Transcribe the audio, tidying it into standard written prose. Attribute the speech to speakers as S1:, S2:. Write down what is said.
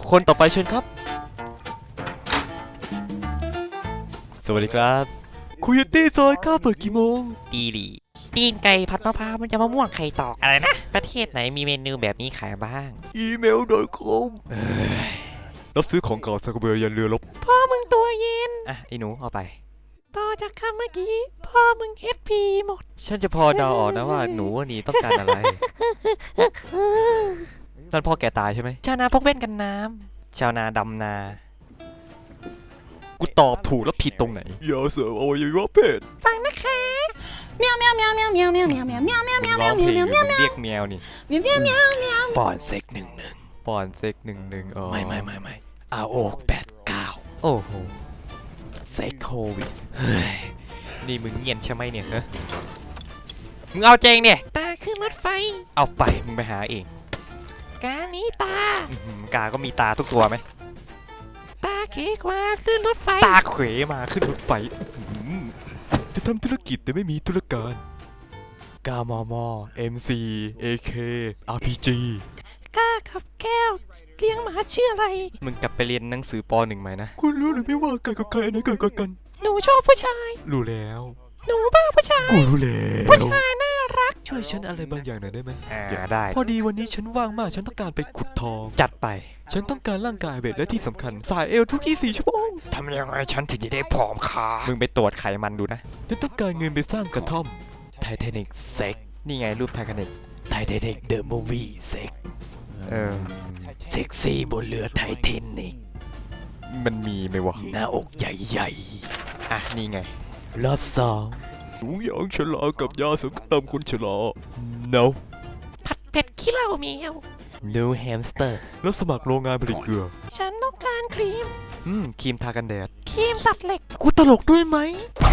S1: คนต่อไปเชิญครับสวัสดีครับคุยตี้ซอยข้าเปิดกี่โมง
S2: ตีหลีตีนไก่ผัดมะพร้าวมันจะมะม่วงไข่ตอกอะไรนะประเทศไหนมีเมนูแบบนี้ขายบ้าง
S1: email.com รับซื้อของเก่าสักกระเบือยันเรือรบ
S2: พ่อมึงตัวเย็น
S1: อ่ะไอ้หนูเอาไป
S2: ต่อจากคำเมื่อกี้พ่อมึง HP หมด
S1: ฉันจะพอเดาออกนะว่าหนูนี่ต้องการอะไรนั่นพ่อแกตายใช่ไหม
S2: ชาวนาพกเว้นกันน้
S1: ชาวนาดำนากูตอบถูกแล้วผิดตรงไหนอย่าเสริมอวัยวะเพศ
S2: ฟังนะคะเมียวเมียวเมียวเมียวเมียวเมียวเมียวเมียวเมียวเมียวเมียวเมียวเมียวเมียวเมียว
S1: เรียกแมวนี่
S2: เมียวเมียวเมียวเมียว
S1: ป้อนเซ็ก11ป้อนเซ็ก11อ๋อไม่อาโอก89โอ้โหเซ็กโควิสเฮ้ยนี่มึงเงียนใช่ไหมเนี่ยฮะมึงเอาเจงเนี่ย
S2: ตาขึ้นรถไฟ
S1: เอาไปมึงไปหาเอง
S2: กามีตาก
S1: าก็มีตาทุกตัวไหม
S2: ตาเขกว่าขึ้นรถไฟ
S1: ตาเขวมาขึ้นรถไฟจะทำธุรกิจแต่ไม่มีธุรการกามอมอ MC AK RPG
S2: กาขับแก้วเลี้ยงหมาชื่ออะไร
S1: มึงกลับไปเรียนหนังสือป .1 ไหมนะคุณรู้หรือไม่ว่ากันกับใครอันไหนเกิดกัน
S2: หนูชอบผู้ชาย
S1: รู้แล้ว
S2: หนูบ้าผู้ชาย
S1: กูรู้แล้ว
S2: ผู้ชายน่ารัก
S1: ช่วยฉันอะไรบางอย่างหน่อยได้ไหมได้พอดีวันนี้ฉันว่างมากฉันต้องการไปขุดทองจัดไปฉันต้องการร่างกายเบ็ดและที่สำคัญสายเอวทุก24ชั่วโมง
S2: ทำยังไงฉันถึงจะได้ผอมขา
S1: มึงไปตรวจไขมันดูนะฉันต้องการเงินไปสร้างกระท่อมไททานิกเซ็กนี่ไงรูปไททานิกเดอะมูฟวี่เซ็กเซ็กซี่บนเรือไททานิกมันมีไหมวะหน้าอกใหญ่ๆอ่ะนี่ไงรอบ2ถุงยางฉลากับยาสงครามคนฉลา no
S2: ผัดเผ็ดขี้เหล้าแมว
S1: no hamster แล้วสมัครโรงงานผลิตเกลือ
S2: ฉันต้องการครีม
S1: ครีมทากันแดด
S2: ครีมตัดเหล็ก
S1: กูตลกด้วยไหม